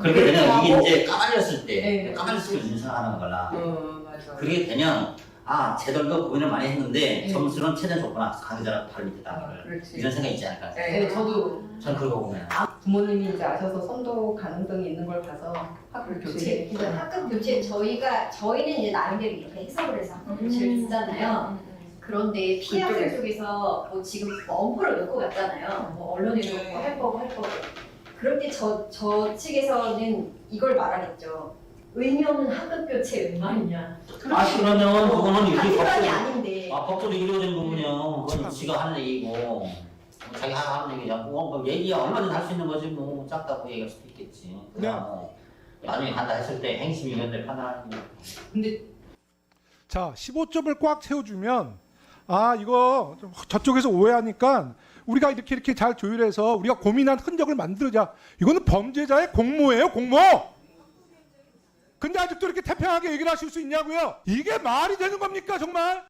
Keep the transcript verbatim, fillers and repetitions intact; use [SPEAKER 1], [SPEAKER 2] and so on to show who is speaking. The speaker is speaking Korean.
[SPEAKER 1] 그렇게 되면 이게
[SPEAKER 2] 하고,
[SPEAKER 1] 이제 까발렸을 때
[SPEAKER 2] 네.
[SPEAKER 1] 까발렸을 때 인상하는 거라.
[SPEAKER 2] 어, 맞아.
[SPEAKER 1] 그게 되면 아 쟤들도 고민을 많이 했는데
[SPEAKER 2] 네.
[SPEAKER 1] 점수는 최대한 줬구나. 강의자랑 바로 밑에
[SPEAKER 2] 아,
[SPEAKER 1] 다
[SPEAKER 2] 그렇지.
[SPEAKER 1] 이런 생각이 있지 않을까.
[SPEAKER 2] 네, 저도
[SPEAKER 1] 저는 그거 보면
[SPEAKER 2] 부모님이 이제 아셔서 선도 가능성이 있는 걸 봐서 학교
[SPEAKER 3] 그렇지.
[SPEAKER 2] 교체
[SPEAKER 3] 그러니까 학급 교체 저희가 저희는 이제 나름대로 이렇게 해석을 해서 학급 교체를 쓰잖아요. 그런데 피해 학생
[SPEAKER 2] 그쪽에서.
[SPEAKER 3] 쪽에서 뭐 지금 원포를 넣고 갔잖아요. 뭐 언론에도
[SPEAKER 2] 네.
[SPEAKER 3] 뭐할 거고 할 거고. 그럴 때 저 저 측에서는 이걸 말하겠죠. 의미 없는 학급 교체 웬 말이냐.
[SPEAKER 1] 아 그러면 그거는 이렇게
[SPEAKER 3] 같은 말이
[SPEAKER 1] 법적으로
[SPEAKER 3] 아닌데.
[SPEAKER 1] 아 법적으로 이루어지는 부분이요. 그건 지가 하는 얘기고 자기 하는 얘기야. 뭐, 뭐 얘기야 얼마든지 할 수 있는 거지 뭐 작다고 얘기할 수도 있겠지. 그냥 뭐 나중에 한다 했을 때 행심위원회 판단하는 거.
[SPEAKER 2] 근데
[SPEAKER 4] 자, 십오 점을 꽉 채워주면 아 이거 좀 저쪽에서 오해하니까 우리가 이렇게 이렇게 잘 조율해서 우리가 고민한 흔적을 만들자. 이거는 범죄자의 공모예요, 공모. 근데 아직도 이렇게 태평하게 얘기를 하실 수 있냐고요? 이게 말이 되는 겁니까 정말?